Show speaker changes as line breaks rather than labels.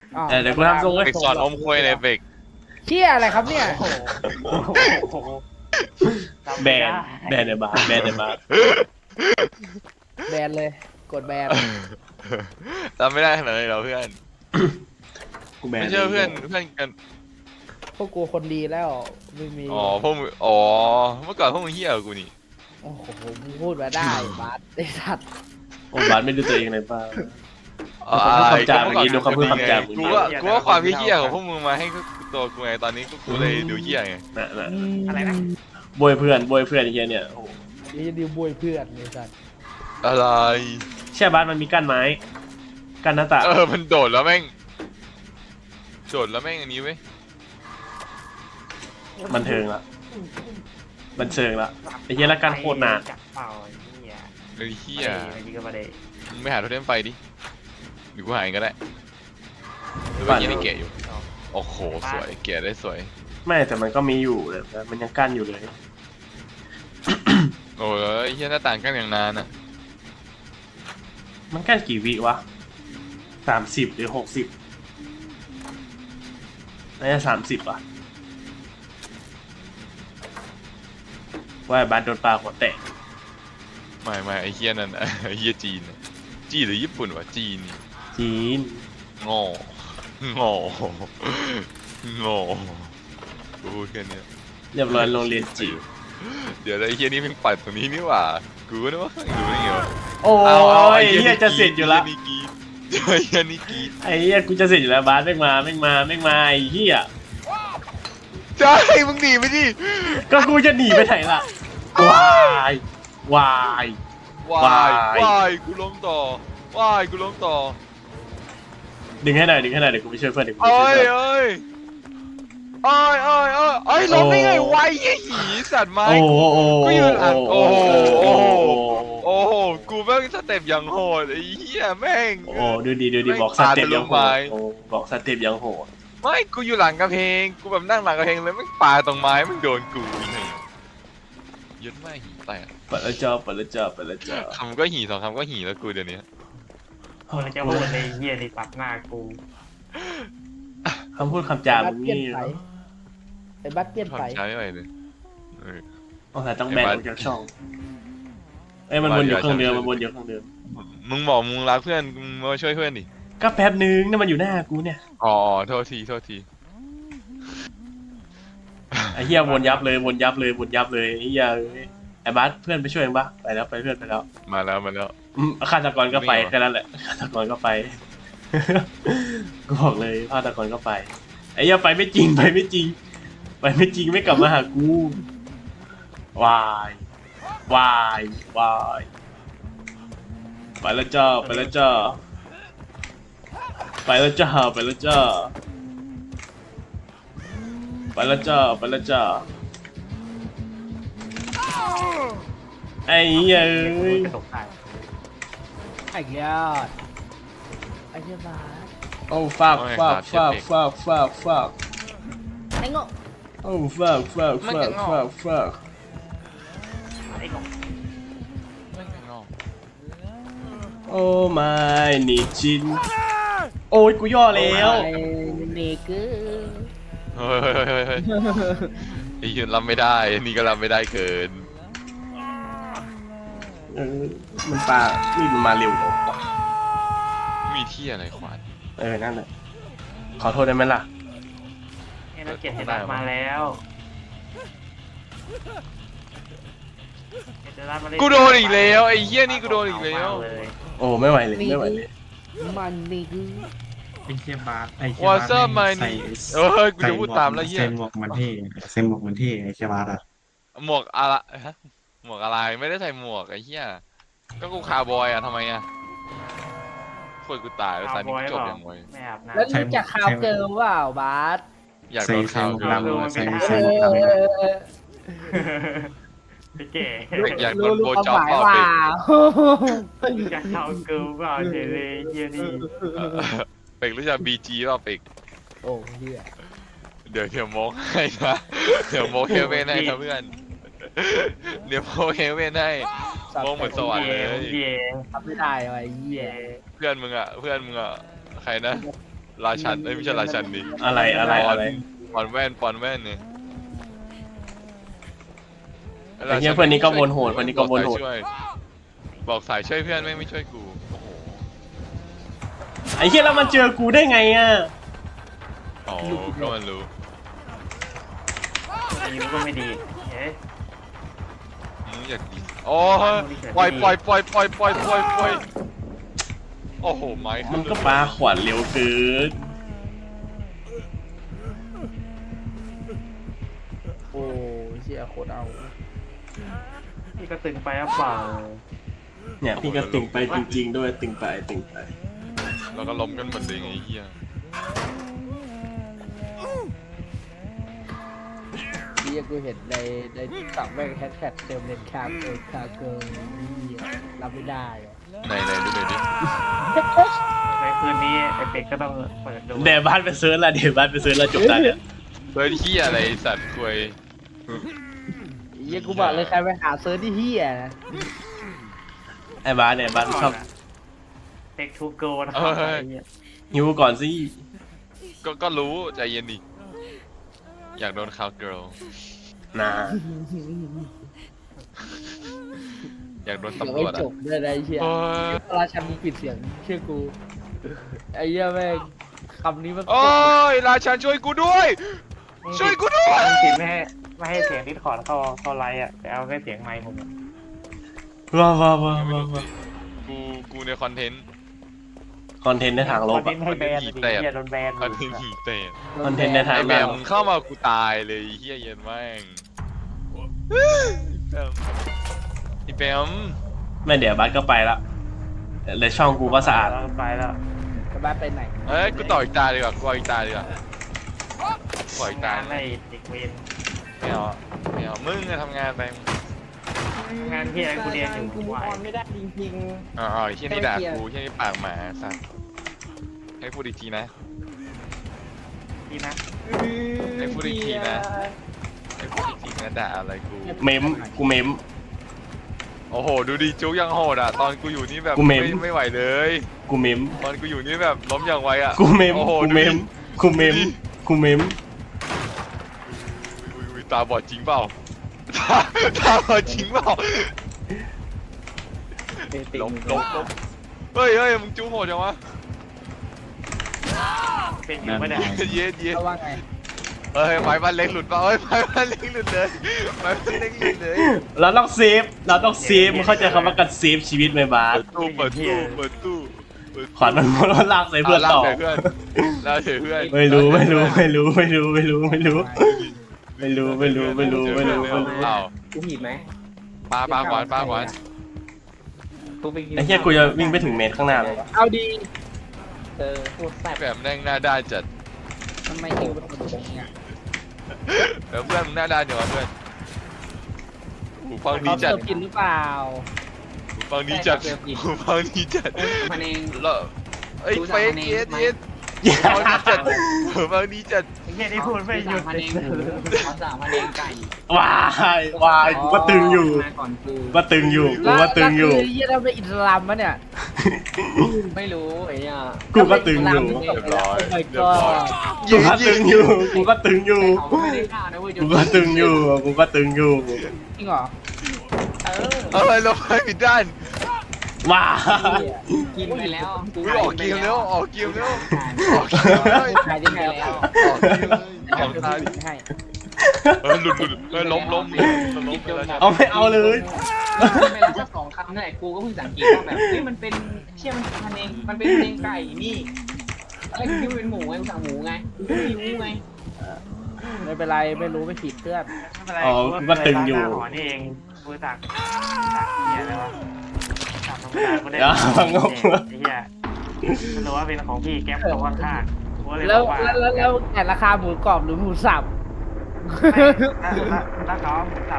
เดี๋ยวกูทำทรงเลย
เบกสอนอมควยเลยเบก
เชี่ยอะไรครับเนี่ย
แบนเดบาร์แบนเดบาร์
แบนเลยกดแบน
จำไม่ได้ขนาดนั้นเหรอเพื่อน
กูแบน
ไม่เชื่อเพื่อนกัน
พวกกูคนดีแล้วไม่มี
อ๋อพวกมึงอ๋อเมื่อก่อนพวกมึงเฮี้ยกว่ากูนี่
โอ้โหมึงพูดมาได้บาสไอ้สัตว์
โอ้บาสไม่ดูตัวเองเลยป่ะ
อ๋อ
คำจามเมื่อกี้ดูคำพูดคำจาม
กูว่าความเฮี้ยของพวกมึงมาให้ตัวกูไงตอนนี้กูเลยดูเฮี้ยไง
น่ะ
อะไรนะ
บวยเพื่อนไอ้เหี้ยเนี่ยโอ้
นี่ดิวบวยเพื่อนไอ้สัตว์
อะไร
แช่บาสมันมีกั้นไม้กั้นหน้าต่าง
มันโดดแล้วแม่งอันนี้เว้ย
บันเทิงละบันเทิงละไอ้เหี้ยละกันโคตรนาน
จับเป่าไอ้เหี้ย
เลยเฮี้ย
ไอ้นี่ก็มาได้
มึงไม่หาโทเทมไฟดิหรือกูหาเองก็ได้หรือว่ายังไม่แกะอยู่โอ้โหสวยแกะได้สวย
ไม่แต่มันก็มีอยู่แต่มันยังกั้นอยู่เลย
โอ้ยเฮี้ยหน้าต่างกันอย่างนานอ่ะ
มันกั้นกี่วิวะ30หรือ60น่าจะ30อ่ะว่าบาสโดนปลาหัวแตก
ไม่ไอ้เฮี้ยนั่นอะไอ้เฮี้ยจีนหรือญี่ปุ่นวะจีนนี่
จีน
โง่กูพูดแค่เนี้ย
เรียบร้อยโรงเรียนจีน
เดี๋ยวไอ้เฮี้ยนี่เพิ่งปัดตรงนี้นี่หว่ากูก็นึกว่าดูได้ไงวะ
โอ้
เอา
ยเฮียจะเสร็จอยู่ละ
ไอ้เฮี้ยนี่กรีด
ไอ้เฮียกูจะเสร็จอยู่แล้วบาสไม่มาไอ้เฮีย
ใช่มึงหนีไปดิ
ก็กูจะหนีไปไหนล่ะวายวายว
ายกูล้มต่อ
ดึงให้หน่อยเดี๋ยวกูไปช่วยเพื่อนเดี๋ยวกูไปช่
เอ้
วย
ย
เพื่อน
เอ้ยล้มได้ไงวะไอ้หีสัตว์ไม้
โอ้โห
กูอยู่หลังโอ้โห
โอ้โห
โอ้โหกูแม่งสเต็ปอย่างโหดไอ้เหี้ยแม่ง
โอ้ดูดีบอกสเต็ปยังโหดโอ้บอกสเต็ปยังโหด
ไม่กูอยู่หลังกระเพงกูแบบนั่งหลังกระเพงเลยแม่งปาตรงไม้แม่งโดนกูนี่ยึดไม่หีแตก
เปิดแล้วจ้า
คำก็หีสองคำก็หีแล้วกูเดี๋ยวนี้
คนจะพูดในเหี้ยในปักหน้ากู
คำพูดคำจา
บั
มึ
ส
ง
เปลี่ยน
นี่
ไปไอ้บัสเปลี่ยน
ท
ไป
ำใช้ไม่ไหวเลย
ต้องแบนออกจากช่องเอ้ยมันวนอยู่เครื่องเดิม
มึงบอกมึงรักเพื่อนมึงมาช่วยเพื่อนดิ
ก็แป๊บนึงนี่มันอยู่หน้ากูเนี่ย
อ๋อโทษที
ไอ้เหี้ยวนยับเลยไอ้เหี้ยไอ้บาสเพื่อนไปช่วยมั้ยไปแล้วเพื่อนไปแล้ว
มาแล้ว
ฆาตกรก็ไปแค่นั้นแหละฆาตกรก็ไป กูบอกเลยฆาตกรก็ไปไอ้เหี้ยไปไม่จริงไม่กลับมาหากูวายไปแล้วจ้าไอ้เหี้ยเอ้ย
กระตกได้
ไอ้ยอดไอ้เหี้ยบาส
โอ้ฟัก
ไอ้โง่
โอ้ฟัก
ไอ้ของ
โอ้ไม่นี่จินโอ้ยกูย่อแล้ว
ไอ้เนเกอร์
เฮ้ยไอ้ยืนรับไม่ได้นี่ก็รับไม่ได้เกิน
มันปลานี่มันมาเร็วจังวะ
มีที่อะไรขวาน
นั่นแหละขอโทษได้ไหมล่ะ
ไอ้นักเกียรติบัตรมาแล้ว
กูโดนอีกแล้วไอ้เหี้ยนี่กูโดนอีกแล้ว
โอ้ไม่ไหวเลย
มันนี่คือ
ไอ้เชี่ยบาสไอ้เชี่
วอ
บา
เซอร์มันกูจะพูดตามแล้วเหี้ย
ใส่หมวกมันเท่ใส่หมวกมันเท่ไอ้เชี่ยบาสอ่ะ
หมวกอะไรฮะหมวกอะไรไม่ได้ใส่หมวกไอ้เหี้ยก็กูคาร์บอยอะทำไมอะคุยกูตายแล้วตอนนี้จบยังไง
ไม่อาบน้ำ
แล้วรู้จักข่าวเกิร์ลเปล่าบาส
อยาก
ใส่
โดน
ใส่
ข่าว
หมวก
เกิน
ดำใส่หมวกดำ
ไอ้เก๋
อยากโดนโบจ็อบ
หมาย
เปล่า
ว่า
เป็ด
จะเข้าเกิร์ลเปล่าเฉยเลยเหี้ยนี่
เป็กรู้จักบีจีเปล่าเป็ก
โอ้เหี้ย
เดี๋ยวโมกให้นะเดี๋ยวโมกเฮเว่นให้นะเพื่อนเดี๋ยวโมกเฮเว่นให้โมกเหมือนสวรรค์เลย
เย่
ทำไม่ได้ว่ะไอ้เหี้ย
เย่
เพื่อนมึงอะใครนะราชันเอ้ยไม่ใช่ราชันดิ
อะไรอะไร
ปอนแว่นเนี่ย
ไอ้เหี้ยเพื่อนนี้ก็วนโหดเพื่อนนี้ก็วนโหด
บอกสายช่วยเพื่อนไม่ช่วยกูโอ้โห
ไอ้เหี้ยแล้วมันเจอกูได้ไงอ่ะ
อ๋อก็มันรู้
อายุก็ไม่ดีเฮ้ย
อยากดีโอ้ยปล่อยโอ้โหไม้ขึ้
มันก็ปาขวานเร็วเกิน
โอ้ยเชี่ยโคตรเอา
พี่ก็ตึงไปหรือเปล่า
เนี่ยพี่ก็ตึงไปจริงๆด้วยตึงไป
แล้วก็ล้มกันหมดเลยไอ้เหี้ย
ที่กูเห็นในสั่งแม่งแฮชแท็กเติมเลนคาเกินนี่รับไม่ได้อะ
ไหนดูหน่อยดิ
ในคืนนี้ไอเป็กก็ต้องเปิดดู
เดี๋ยวบ้านไปเซิร์ชละจบได้เนี่ย
เฮ้ยเหี้ยอะไรสัตว์ควย
เหี้ยกูบอกเลยใครไปหาเซิร์ชที่เฮียนะ
ไอ้บ้านเนี่ยบ้านชอบ
เป็กทูโกนะครับไอ้เหี้ย
หิวก่อนสิ
ก็รู้ใจเย็นดิอยากโดนคาวเกิร์ล
นะ
อยากโดน
ยัง
ตำร
ไม่
วจ
จ
อ่ะ
บเลยนะไอ้เชี่ย
โอ้ย
ราชันมึงปิดเสียงเชื่อกูไอ้เหี้ยแม่งคำนี้มัน
โอ้ยราชันช่วยกูด้วย ช่วยกูด้วย
จริงๆไม่ให้เสียงดิสคอร์ดเข้าไลน์อ่ะแต่เอาแค่เสียงไมค์ผม
ว้าว
กูในคอนเทนต์
คอนเทนต์ในทางลบ
คอนเทนต์ให้แบนดิเฮียโดนแบน
คอนเทนต์หีเตะ
คอนเทนต์ในทาง
ไอ้
ล
แมว
บ
มึงเข้ามากูตายเลยเฮียเย็นแม่งไอ้แมว
ไม่เดี๋ยวบ้านก็ไปละแต่ช่องกูก็สะอาด
ไปแล้ว
กระบ้าไปไหน
เอ้ยกูต่ออีกตาดีกว่ากูเอาอีกตาดีกว่าปล่อยอีกตาง
านไล่เด็กเวร
ไม่เอามึงอะทำงานไป
งานที่ไอ้กูเรียนอยู่
กู
ไหว
ออนไม่ได้จริง
อ๋อไอ้เฮียนี่ด่ากูเฮียนี่ปากหมาสัตว์ให้พูดอีกทีนะ
ที่นะ
ๆ
ให้พูดอีกทีนะ ให้พูดอีกทีนะด่าอะไรกู
เมมกูเมม
โอ้โหดูดิจุกยังโหดอ่ะตอนกูอยู่นี่แบบ
กูเมม
ไม่ไหวเลย
กูเมม
ตอนกูอยู่นี่แบบล้มอย่างไวอ่ะ
กูเมม
โอ้โห
กู
ดู
เม
ดิ
มกูเมมกูเมม
อุ้ยตาบอดจริงเปล่าตาบอดจริงเปล่าล้มเฮ้ยมึงจูโหดจังวะ
เป็นอยู่ไม่ได้
เย็ด
เขาว่าไง
เฮ้ยไม้บ้านเล็กหลุดเปล่าเฮ้ยไม้บ้านเล็กหลุดเลยไม้บ้านเล็กหลุดเลย
เราต้องเซฟมึงเข้าใจคำว่าการเซฟชีวิตไหมบาส
เปิดตู้
ขวัญมันลากใส่เพื่อนต่อ
ลากเพื่อน
ไม่รู้
อ้าว
กูผิดไหม
ปลาขวาน
กูไปกิน
ไอ้เหี้ยกูจะวิ่งไปถึงเมตรข้างหน้าเลย
เอาดี
โคตรแซ่บ
แบบแม่งหน้าด้านจัด
ทำไมเองเป็นคนอย่างเงี้ย
แล้วเพื่อนมึงหน้าด้านอยู่วะเพื่อนหูฟังดี
เขา
จั
เสิ
ด
ร์ฟกินหรือเปล่า
หูฟังดีจัด
มันเอง
แล้วไอ้เฟกเย็ดหูฟังดีจัด
ไอ้เหี้ยที่พูดไม่หยุด
มันเองเขาสั่งมันเองไก่
วายกูก็ตึงอยู่
มาก่อนกู
ก็ตึงอยู่
แล้วคือเยี่ยเราเป็นอิสลามมะเนี่ย
ไม่รู้ไอ้เนี่ย
กูก็ตึงอยู่
โอ้ my
เรียบร้อย
god
กูก็ตึงอยู่กูก็ตึงอยู่
เขาไม่ได้ฆ่านะเว้ย
กูก็ตึงอยู่
จริงเหรอ
เอ้ยลงไปผิดด้าน
ว้า
กินไปแล้ว
ออกเกมแล้วออกเกมแล้ว
ขายยังไงแล้ว
ของตาย
ให้
หลุดล้มไปแล้ว
เอาไม่เอาเลย
ไม่รับสักสองคำนั่นแหละกูก็เพิ่งสังเกตว่าแบบเฮ้ยมันเป็นเชี่ยมันเองมันเป็นเองไก่นี่อะไรกูคิดว่าเป็นหมูไงกูสั่งหมูไงกูไม่รู้ไง
ไม่เป็นไรไม่รู้ไม่ผิดเพื่อน
ไม่เป็นไรกูก็ตึงอยู่หอนี่เองกูตักเหี้ยอะไรวะตักธรรมดากูได้ไอ้เหี้ยมันรู้ว่าเป็นของพี่แก๊ปตรงข้างๆกูเลย
แล้ว
บอกว่า
แล้วแต่ราคาหมูกรอบหรือหมูสับ
ถ้าเขา